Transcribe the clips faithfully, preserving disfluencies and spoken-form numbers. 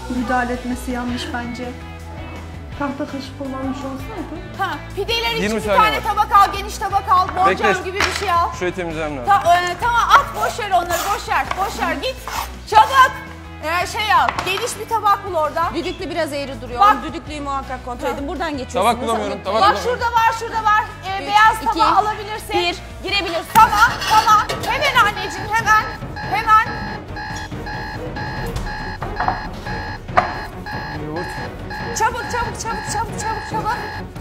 müdahale etmesi yanlış bence. Tahta kaşık kullanmış olsaydı. Ha, pideler için yirmi bir saniye tane var. tabak al, geniş tabak al, borcam Bekle. gibi bir şey al. Şurayı temizlemem lazım. Ta, e, tamam at, boş ver onları, boş ver, boş ver, git. Çabuk. E, şey al, geniş bir tabak bul orada. Düdüklü biraz eğri duruyor. Bak. Düdüklüyü muhakkak kontrol edin. Buradan geçiyorsunuz. Tabak bulamıyorum, tabak Bak bulamıyorum. şurada var, şurada var. E, Üç, beyaz iki, tabağı alabilirsin. bir, girebilirsin. Tamam, tamam. Hemen anneciğim, hemen. Hemen. Yoğurt. Çabuk, çabuk, çabuk, çabuk, çabuk, çabuk.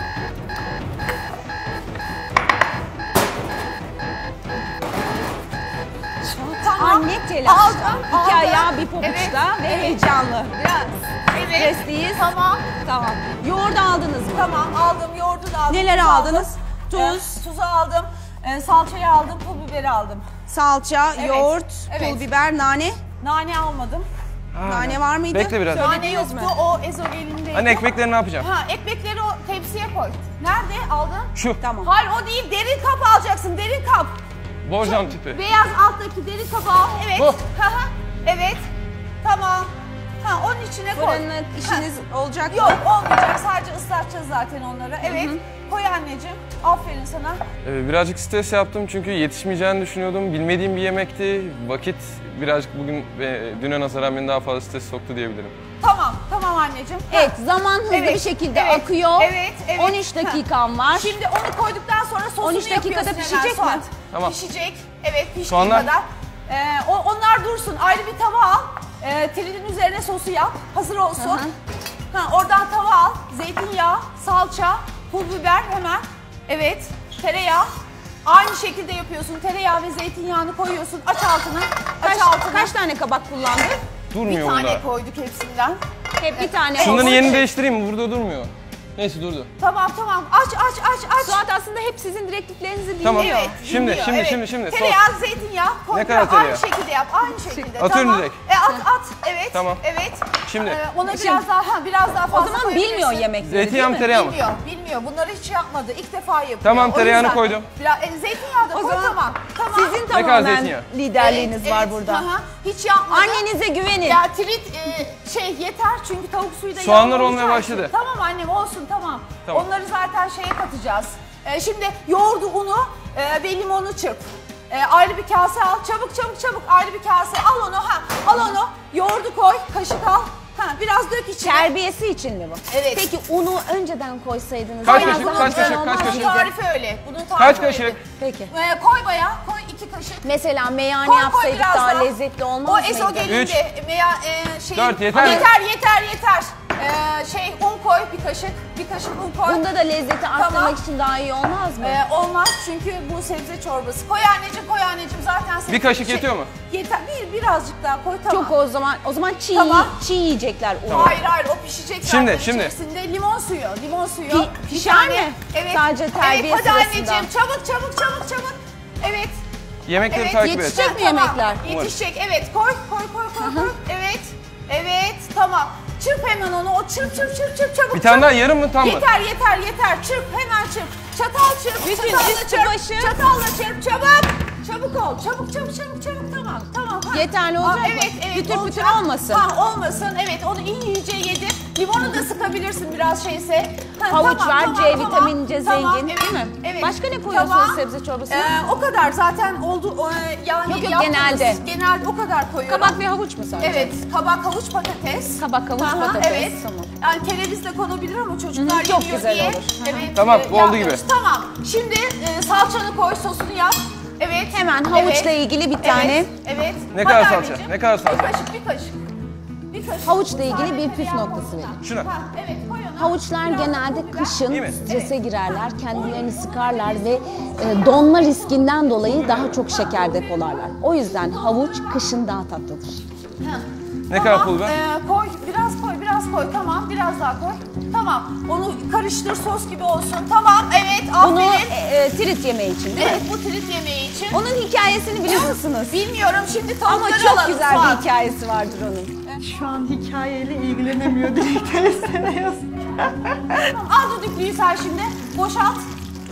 Tamam. Anne telaşta. Aldım, İki aldım. ayağı bir pabuçta Evet, ve evet. heyecanlı. Biraz. Evet. Stresliyiz. Tamam. Tamam. Yoğurdu aldınız mı? Tamam, aldım. Yoğurdu da aldım. Neler tuzu aldınız? aldım. Tuz. Ee, tuzu aldım. Ee, salçayı aldım. Pul biberi aldım. Salça, Evet, yoğurt, evet. pul biber, nane. Nane almadım. Ha, Nane var mıydı? Bekle biraz. Nane Söylediniz yoktu. mi? O ezogelindeydi. Hani ekmekleri ne yapacağım? Ha, ekmekleri o tepsiye koy. Nerede aldın? Şu. Tamam. Hayır o değil. Derin kap alacaksın. Derin kap. Borcam tipi. Beyaz alttaki derin kabı al. Evet. Bu. Ha, ha. Evet. Tamam. Ha, onun içine koy. Fırınla işiniz olacak mı? Yok olmayacak. Sadece ıslatacağız zaten onları. Evet. Koy anneciğim. Aferin sana. Ee, birazcık stres yaptım çünkü yetişmeyeceğini düşünüyordum. Bilmediğim bir yemekti. Vakit birazcık bugün ve düne nazaran beni daha fazla stres soktu diyebilirim. Tamam. Tamam anneciğim. Ha. Evet, zaman hızlı Evet, bir şekilde evet, akıyor. evet, evet. on üç dakikam var. Şimdi onu koyduktan sonra sosunu on üç dakikada yapıyorsun hemen pişecek mi? Suat. Tamam. Pişecek. Evet piştiği Soğanlar? kadar. Ee, o- onlar dursun. Ayrı bir tava al. Ee, tridin üzerine sosu yap. Hazır olsun. Hı hı. Ha, oradan tava al. Zeytinyağı, salça, pul biber hemen. Evet. Tereyağı. Aynı şekilde yapıyorsun. Tereyağı ve zeytinyağını koyuyorsun. Aç altını. Aç Kaç, altını. kaç tane kabak kullandın? Bir Durmuyor tane bunda. koyduk hepsinden. Hep bir tane. Şunların olsun. yerini değiştireyim mi? Burada durmuyor. Neyse durdu. Tamam tamam. Aç aç aç aç. Suat aslında hep sizin direktiflerinizi dinliyor. Tamam. Evet. Şimdi, dinliyor, şimdi, evet. şimdi, şimdi. Sos. Tereyağı, zeytinyağı. Koy, Ne kadar Aynı tereyağı? şekilde yap. Aynı şekilde. Atıyorum tamam. direkt. E, at at. Evet. Tamam. Evet. Şimdi. Ee, ona biraz Şimdi- daha ha, biraz daha O fazla zaman koyabilirsin. bilmiyor yemekleri Zeytinyağı mı değil mi? tereyağı mı? Bilmiyor. Bilmiyor. Bunları hiç yapmadı. İlk defa yapıyor. Tamam, O tereyağını yüzden koydum. Biraz, e, zeytinyağı da O koy zaman tamam. Tamam. Sizin kadar tamamen zeytinyağı? liderliğiniz Evet, var evet. burada. Aha, hiç yapmadı. Annenize güvenin. Ya trit e, şey yeter çünkü tavuk suyu da Soğanlar yağlı olmaya olacağı için. başladı. Tamam annem olsun tamam. Tamam. Onları zaten şeye katacağız. E, şimdi yoğurdu, unu e, ve limonu çırp. E, ayrı bir kase al. Çabuk çabuk çabuk ayrı bir kase al onu ha. Al onu. Yoğurdu koy. Kaşık al. Ha biraz dök içine. Terbiyesi için mi bu? Evet. Peki unu önceden koysaydınız Kaç biraz kaşık, daha kaç güzel kaşık, olmaz kaç mıydı? kaşık? Tarifi öyle. Bunun tarifi Kaç öyle. kaşık? Peki. E, koy bayağı. Koy iki kaşık. Mesela meyhane Koy, koy yapsaydık biraz daha daha. lezzetli olmaz O mıydı? ezogelinde Üç. veya e, şey. Dört, yeter mi? Yeter yeter yeter. E, şey un koy bir kaşık. Bir kaşık un koy. Bunda da lezzeti arttırmak Tamam. için daha iyi olmaz mı? Ee, olmaz çünkü bu sebze çorbası. Koy anneciğim, koy anneciğim zaten sebze. Bir kaşık şey- yetiyor mu? Yeter. Bir birazcık daha koy tamam. Çok o zaman o zaman çiğ Tamam. çiğ yiyecekler unu. Hayır hayır o pişecek zaten. Şimdi, şimdi. İçerisinde limon suyu, limon suyu. Pi- Bir pişer tane- mi? Evet. Sadece terbiye evet, hadi sırasında. anneciğim çabuk çabuk çabuk çabuk. Evet. Yemekleri Evet, takip et. yetişecek mi Tamam, yemekler? Yetişecek evet koy koy koy koy koy. Evet. Evet tamam. Çırp hemen onu. O çırp çırp çırp çırp çabuk. Bir tane çabuk. daha yarım mı tam mı? Yeter yeter yeter çırp hemen çırp. Çatal çırp. Bütün çatalla üstü çırp. başı. Çatalla çırp çabuk. Çabuk ol. Çabuk çabuk çabuk çabuk tamam tamam. Ha. Yeterli olacak Ha, mı? Evet evet Pütür pütür olacak. olmasın. Ha olmasın evet onu iyice yedir. Limonu da sıkabilirsin biraz şeyse. Ha, Havuç tamam, var, tamam, C tamam, vitamince tamam, zengin, evet, değil mi? Evet. Başka ne koyuyorsunuz Tamam. sebze çorbasına? Ee, o kadar zaten oldu. O, yani Yok, yok, yaptığımız- genelde. Genelde o kadar koyuyorum. Kabak ve havuç mu sadece? Evet, kabak, havuç, patates. Kabak, havuç, Aha, patates, Evet. tamam. Yani kereviz de konabilir ama çocuklar Hı hı, çok yemiyor güzel diye. olur. Hı hı. Evet. Tamam, e, bu oldu yapmıyoruz. gibi. Tamam. Şimdi e, salçanı koy, sosunu yap. Evet. Hemen havuçla ilgili bir tane. Evet. Evet. Ne Hadi kadar salça? anneciğim. Ne kadar salça? Bir kaşık, bir kaşık. Bir kaşık. Havuçla ilgili Sadece bir püf tereyağı noktası koy. verin. Şuna. Ha, evet, koy onu. Havuçlar Biraz genelde pul biber. kışın İyi mi? strese girerler, kendilerini sıkarlar ve e, donma riskinden dolayı daha çok şeker depolarlar. O yüzden havuç kışın daha tatlıdır. Ha. Ne kadar pul biber? Ee, koy, biraz koy, biraz koy. Tamam, biraz daha koy. Tamam, onu karıştır, sos gibi olsun. Tamam, evet, Bunu aferin. e, e, trit yemeği için değil Evet, mi? bu trit yemeği için. Onun hikayesini biliyor musunuz? Bilmiyorum, şimdi tavukları Ama çok alalım. güzel Suat. bir hikayesi vardır onun. Şu an hikayeyle ilgilenemiyor direkt tersine yazıyor. Tamam, al düdüklüyü sen şimdi, boşalt.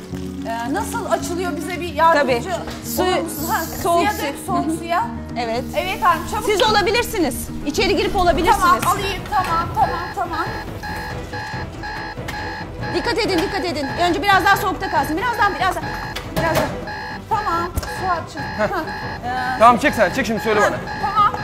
Ee, nasıl açılıyor bize bir yardımcı Tabii. olur Su- musun? Ha, soğuk suya su. dök, soğuk suya. Evet. Evet hanım çabuk. Siz olabilirsiniz. İçeri girip olabilirsiniz. Tamam alayım tamam tamam tamam. Dikkat edin, dikkat edin. Önce biraz daha soğukta kalsın. Birazdan, birazdan. Birazdan. Tamam Suat'cığım. Ha, ee, Tamam çek sen, çek şimdi söyle bana. Tamam.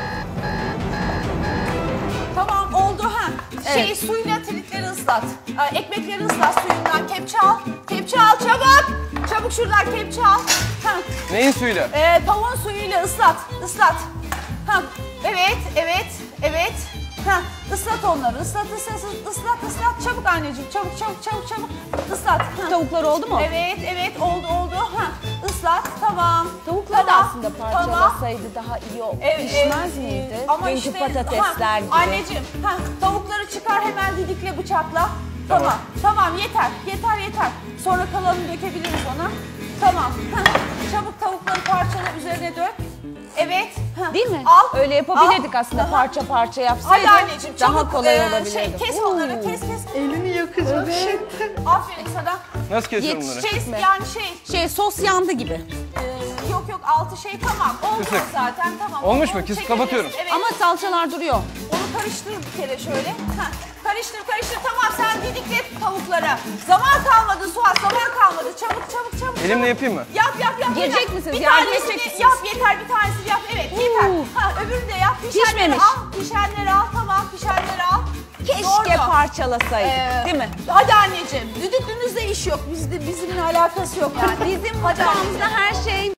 Tamam oldu ha. Şey Evet. suyla tritleri ıslat. Ee, ekmekleri ıslat suyundan. Kepçe al. Kepçe al çabuk. Çabuk şuradan kepçe al. Ha. Neyin suyuyla? Ee, tavuğun suyuyla ıslat. Islat. Ha. Evet, evet, evet. Ha. Islat onları. Islat, ıslat, ıslat, ıslat. Çabuk anneciğim. Çabuk, çabuk, çabuk, çabuk. Islat. Ha. Tavuklar oldu mu? Evet, evet oldu, oldu. Ha. Islat. Tamam. Tavuklar da Tamam, aslında tamam. parçalasaydı daha iyi o Evet, pişmez evet, miydi? evet. Ama Dünkü işte, patatesler ha, gibi. Anneciğim, ha, tavukları çıkar hemen didikle bıçakla. Tamam. Tamam, yeter, yeter, yeter. Sonra kalanını dökebiliriz ona. Tamam. Ha, çabuk tavukları parçala, üzerine dök. Evet. Ha, Değil mi? Al. Öyle yapabilirdik al. aslında Aha. parça parça Hadi yapsaydık anneciğim çabuk. daha kolay e, olabilirdi. Şey, kes onları, kes kes. Elini yakacak şimdi. Aferin sana. Nasıl kesiyorum bunları? Şey, mi? yani şey, Şey sos yandı gibi. e, yok yok altı şey tamam. Oldu Kısık. zaten tamam. Olmuş Onu mu? Kesip çekebiliriz. kapatıyorum. Evet. Ama salçalar duruyor. Onu karıştır bir kere şöyle. Heh. Karıştır karıştır tamam sen didikle tavuklara. Zaman kalmadı Suat zaman kalmadı. Çabuk çabuk çabuk. Elimle çabuk. yapayım mı? Yap yap yap. Girecek Yap. misiniz? Bir Yardım tanesini edecek misiniz? yap yeter bir tanesini yap. Evet yeter. Uuu. Ha öbürünü de yap. Pişenleri Pişmemiş. al. Pişenleri al tamam pişenleri al. Keşke Doğru. parçalasaydık Ee, değil mi? Hadi anneciğim düdüklünüzde iş yok. Bizde bizimle alakası yok yani. Bizim Hadi mutfağımızda her şey